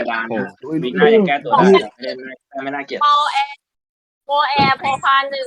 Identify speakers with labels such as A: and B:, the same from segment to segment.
A: ระดาน
B: โอ้
A: วิกหน้ายังแก้ตัวได้ไม่น่าเกลียด
C: โปแอร์โปพานหนึ่ง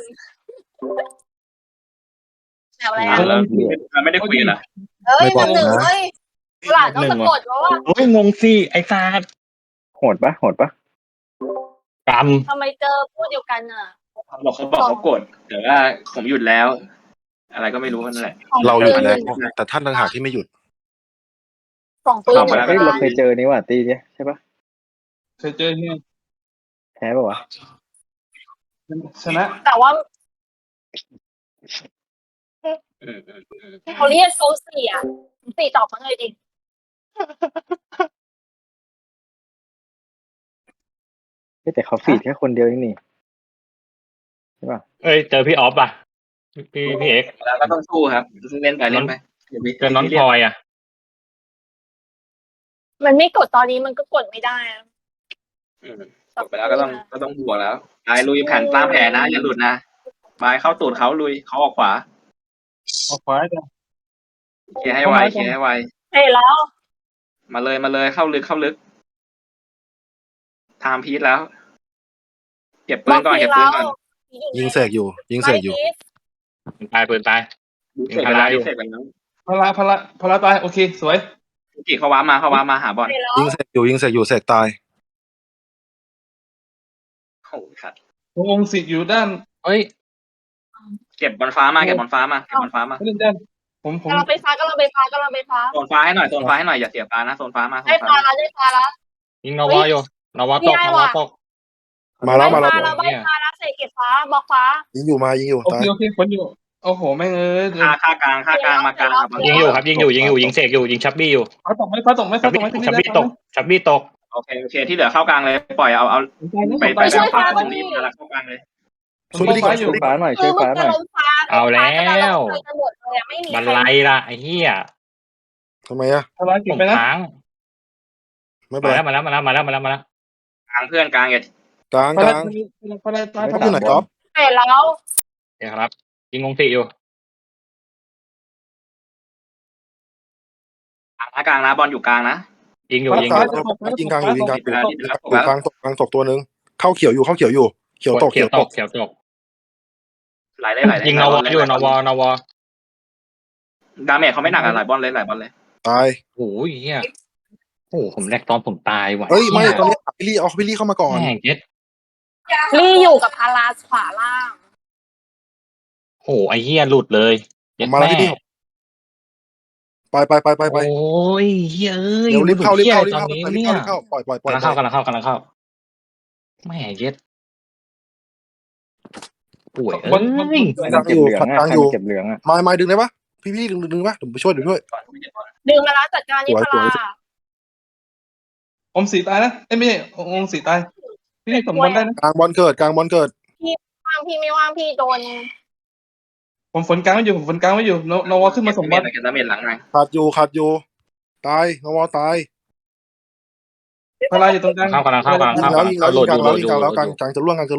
C: แถวแล้ว
A: เราไม่ได้คุยกันนะ
C: เฮ้ยหนึ่งเฮ้ยหลานต้องสะกดว่า
B: โอ้ยงงสิไอ้ซาด
D: โหดปะ
B: กรรม
C: ทำไมเจอพูดเดียวกันอ่ะ
A: เขาบอกเขากดแต่ว่าผมหยุดแล้ว อะไรก็ไม่รู้นั่นแหละ
E: เราหยุดแล้ว แต่ท่านต่างหากที่ไม่หยุด
C: ของปืน
D: เฮ้ยเราเคยเจอนี่ว่ะตีเนี่ยใช่ปะ
F: เคยเจอเนี่ย
D: แพ้ปะวะ
F: ชนะ
C: แต่ว่าเขาเรียกโซเสียสี่ตอบมาเลยดิ
D: แต่เขาฟีดแค่คนเดียวนี่ใช่ปะ
B: เอ้ยเจอพี่ออฟอ่ะพี่เอก
A: แล้วก็ต้องสู้ครับเล่นไปเล่นไป
B: เจอน้องพลอยอ่ะ
C: มันไม่กดตอนนี้มันก็กดไม่ได้
A: กดไปแล้วก็ต้องบวกแล้วไปลุยแผ่นตามแผนนะอย่าหลุดนะไปเข้าตูดเขาลุยเขาออกขวา
F: ออกขวาจ้ะ
A: เคลียร์ให้ไวเคลียร์ให้ไว
C: เฮ้ยแล้ว
A: มาเลยเข้าลึกไทม์พีทแล้วเก็บปืนก่อน
E: ยิงเสกอยู่
B: ตายปืนตาย
A: เสร็จแล้วเสร็จแล้ว
F: พละตายโอเคสวย
A: กี่เขาว้ามาหาบอล
E: ยิงเสกอยู่เสกตาย
A: โอ้สัตว์
F: องค์สิทธิ์อยู่ด้าน
B: เฮ้ย
A: เก็บบอลฟ้ามาไม่เล่น
F: ด้านผม
C: กำลังไปฟ้า
A: โซนฟ้าให้หน่อยอย่าเสียฟ้านะโซนฟ้ามา
C: ได้ฟ้าแล้ว
B: ยิงนวาอยู่นวาตก
E: มาแล้ว
C: ใบฟ้าแล้วเสกเก็บฟ้าบอกฟ้า
E: ยิงอยู่ตาย
F: โอเคฝนอยู่โอ้โหแม่ง
A: ค่ากลางมากลาง
B: ยิงอยู่ครับยิงยิงเสกอยู่ยิงชับบี้อยู่
F: ฟ้าตกไหม
B: ชับบี้ตก
A: โอเคที่เหลือเข้ากลางเลยปล่อยเอาไปตรงนี้แล้วเข้ากลางเลย
E: ช่วยไปดีก่อน
D: ช่วยฟ้าหน่อยช่วยฟ้าหน่อย
B: เอาแล้วมันไล่ละไอ้เหี้ย
E: ทำไมอ่ะ
F: พละเก็บไปนะ
B: ค้าง
E: ไม่เป็นไร
B: มาแล้ว
A: กลางเพื่อนกลางอย่าก
E: ลาง
F: พละตาย
E: ท็อปอยู่ไหนท็อป
C: เสร็จแล้ว
B: เดี๋ยวครับยิงงงสีอยู่
A: กลางนะบอลอยู่กลางนะ
B: ยิงอยู่
E: ยิงกลางตกตัวนึงเข้าเขียวอยู่เขียวตก
A: ไหล
B: ยิงนวาอยู่นวา
A: ดาเมจเขาไม่หนักหลายบอลเลย
E: ตาย
B: โอ้ยเหี้ยโอ้ผมแรกตอนผมตายว่ะ
E: เฮ้ยไม่ตอนนี้พี่ลี่เข้ามาก่อน
B: แม่งเจ็ด
C: ลี่อยู่กับพาราขวาล่าง
B: โอ้ไอ้เหี้ยหลุดเลย
E: มาแล้วพี่ไป
B: โอ้ยเฮ้ย
E: เดี๋ยวรีบเข้าปล่อย
B: กำลังเข้าแม่เย็ดป่วย
D: เก็บเหลืองอ่ะเก็บเหลืองอ่ะ
E: มาดึงได้ปะพี่ดึงปะผมไปช่วยด้วย
C: ดึงมาแล้วจัดการนี่พารา
F: องค์สีตายนะไม่ใช่องค์สีตายพี่สมบูรณ์ได้นะ
E: กลางบอลเกิด
C: ว่างพี่ไม่ว่างพี่โดน
F: ผมฝนกลางไม่อยู่นวาขึ้นมาสมบัติ
A: ดาเมจหลังไง
E: ขาดอยู่ตายนวตาย
F: พละอยู่ตรงกลาง
B: เข้ากำลังเข้า
E: ยิงแล้วกลางจะล่วง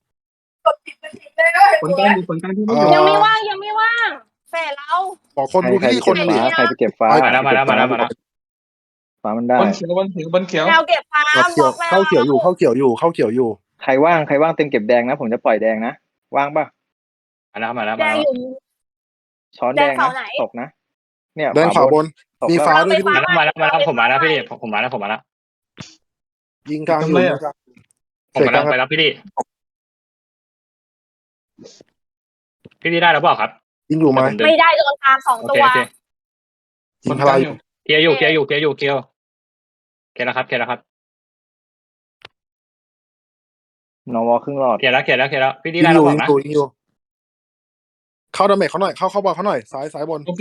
F: ฝนกลางที่ไม่อยู่
C: ยังไม่ว่างเสร็จแล้ว
E: บอกคนดูพี่คนดิ
D: ใครไปเก็บฟ้า
B: มาแล้ว
D: ฟ้ามันได้
F: บนเขียว
C: แนวเก็บฟ้า
E: เข้าเขียวอยู่
D: ใครว่างเต็มเก็บแดงนะผมจะปล่อยแดงนะว่างปะ
B: มาแล้ว
C: แดงอยู่
D: ช้อนแดงนะตกนะเนี่ย
E: แดงขวาบนมีฟ้าด้วย
B: มาแล้วผมมาแล้วพี่ผมมาแล้ว
E: ยิงกลางอยู่
B: ผมมาแล้วไปแล้วพี่ได้แล้วเปล่าครับ
E: ยิงอยู่ไหม
C: ไม่ได้โดนตาม2 ตัว
E: ยิงพลายอยู่
B: เคลียร์แล้วครับ
D: นวครึ่งหลอด
B: เคลียร์แล้วพี่
E: ยิ
B: ได้
E: ง
B: แล้ว
E: อยู่
B: เปล่านะ
E: เข้าดาเมจเขาหน่อยเข้าบอลเขาหน่อยซ้ายบน
F: โอเคน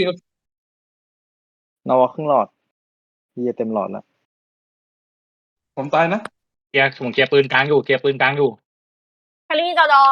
D: วครึ่งหลอดพี่เต็มหลอดแล้ว
F: ผมตายนะ
B: ผมเคลียร์ปืนกลางอยู่
C: คารีดอ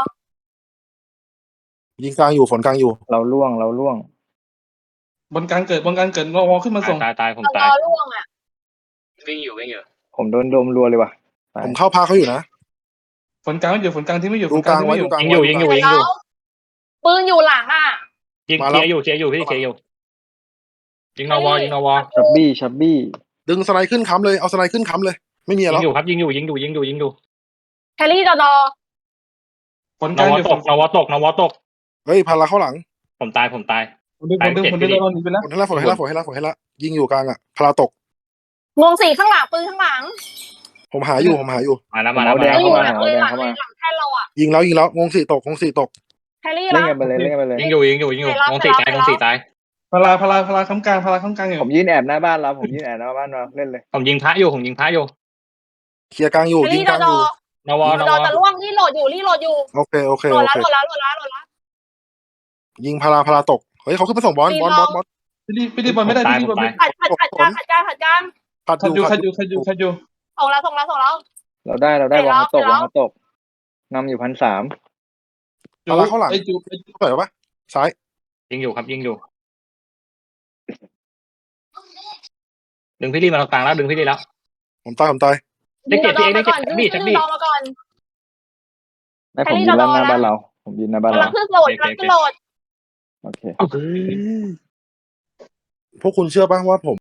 E: ยิงกลางอยู่ฝนกลางอยู่
D: เราล่วง
F: บนกลางเกิดนวาขึ้นมาส่ง
B: ตายผม
C: ด
B: ตาย
C: อล่วงอ่ะ
A: วิ่งอยู่
D: ผมโดนโดมรัวเลยว่ะ
E: ผมเข้าพาเขาอยู่นะ
F: ฝนกลางที่ไม่อยู่
E: ดูกลางไว้
B: ยิงอยู่
C: ปืนอยู่หลังอ่ะ
B: ยิงเคลียร์อยู่พี่เคลียร์อยู่ยิงนวา
D: ชับบี้
E: ดึงสไลด์ขึ้นค้ำเลยเอาสไลด์ขึ้นค้ำเลยไม่มี
B: ยิ
E: แล้
B: ง
E: ว
B: อยู่ครับยิงอยู่
C: แครี่ดอ
F: ผล
B: น
F: กลาง
B: ว
F: อยู่
B: ตกนวตก
E: เฮ้ยพาราเข้าหลัง
B: ผมตาย
F: คนดึงเราหนีไปแล้ว
E: ฝนให้ละยิงอยู่กลางอ่ะพาราตก
C: วงสี่ข้างหลังปืนข้างหลัง
E: ผมหาอยู่
B: มาแล้ว
C: เราอยู่หลังเลยหลังแค่เราอ่ะ
E: ยิงแล้ววงสี่ตก
C: แครี่
D: เล่น
C: ละ
D: กันไปเลยเล่นกันไปเลย
B: ยิงอยู่วงสี่ตาย
F: พลาค้ำกลางอยู่
D: ผมยืนแอบหน้าบ้านเราผมยืนแอบหน้าบ้านเราเล่นเลย
B: ผมยิงพระอยู่
E: เคลียร์กลางอยู่
C: แค
E: ยิ
C: รี่
E: งกลางอยู่
B: นว
C: ดอจะล่วงรีโหลดอยู่
E: โอเค
C: โหลดแล้ว
E: ยิงพาราตกเฮ้ยเขาขึ้นไปส่งบอล
F: พี่ดีบอลไม่ได้พี่ดีบอลไม่
C: ผัดกลาง
E: ขัด
F: ขัด
E: อยู่
F: อยู่
C: ส่งแล้ว
D: เราได้วางเขาตกนำอยู่1,300
E: พาราเข้าหลัง
F: ไอ้จู
E: เปิดปะซ้าย
B: ยิงอยู่ดึงพี่ลี่มาตรงกลางแล้วดึงพี่ลี่แล้ว
E: ผมตาย
B: ได้เก็บพี่เองได้เก็บบี้
C: ดอมาก่อน
D: ให้ผมยืนหน้าบ้านเราผมยืนหน้าบ้าน
C: กำลั
D: เรา
C: งขึ้นโหลด
D: โอเค
E: พวกคุณเชื่อป่ะว่าผม